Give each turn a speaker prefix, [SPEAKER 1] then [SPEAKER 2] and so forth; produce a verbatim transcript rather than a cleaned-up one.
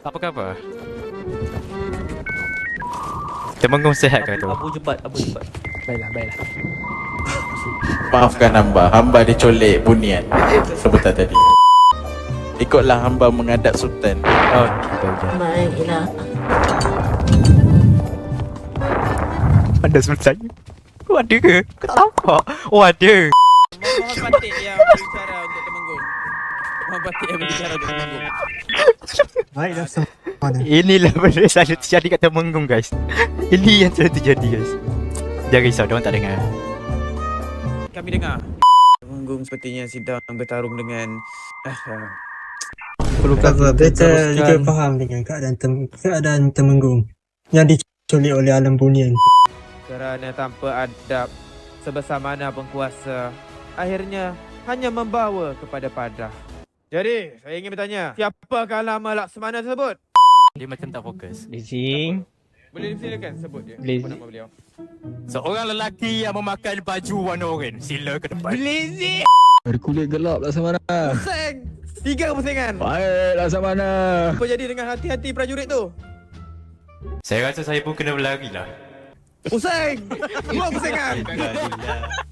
[SPEAKER 1] Apa khabar? Temenggung sehat ke tu?
[SPEAKER 2] Abu cepat, Abu cepat.
[SPEAKER 3] Baiklah, baiklah.
[SPEAKER 4] Maafkan hamba, hamba dicolek bunian sebutan tadi. Ikutlah hamba menghadap sultan.
[SPEAKER 1] Oh, baiklah.
[SPEAKER 2] Baiklah.
[SPEAKER 1] Ada sultan? Kau ada ke? Kau tak nampak? Oh ada.
[SPEAKER 5] Muhammad Batik yang berbicara untuk Temenggung. Muhammad Batik yang berbicara untuk Temenggung.
[SPEAKER 3] Baiklah semua.
[SPEAKER 1] Inilah benda selalu terjadi kat Temenggung guys. Ini yang selalu terjadi guys. Jangan risau, diorang tak dengar.
[SPEAKER 5] Kami dengar. Temenggung sepertinya sedang bertarung dengan uh,
[SPEAKER 3] Perlukan beta juga faham dengan keadaan tem keadaan Temenggung yang diculik oleh alam bunian.
[SPEAKER 5] kerana tanpa adab sebesar mana penguasa akhirnya hanya membawa kepada padah. Jadi, saya ingin bertanya, siapakah nama Laksamana tersebut?
[SPEAKER 1] Dia macam tak fokus.
[SPEAKER 3] Blazing.
[SPEAKER 5] Boleh dipersilakan sebut dia.
[SPEAKER 3] Blaze.
[SPEAKER 5] Apa nama beliau?
[SPEAKER 1] Seorang lelaki yang memakai baju warna oranye. Sila ke depan.
[SPEAKER 5] Blazy!
[SPEAKER 6] Berkulit gelap Laksamana.
[SPEAKER 5] Pusing! Tiga pusingan.
[SPEAKER 6] Baik Laksamana.
[SPEAKER 5] Apa jadi dengan hati-hati prajurit tu?
[SPEAKER 1] Saya rasa saya pun kena berlari lah.
[SPEAKER 5] Pusing! Dua pusingan.
[SPEAKER 1] Alhamdulillah.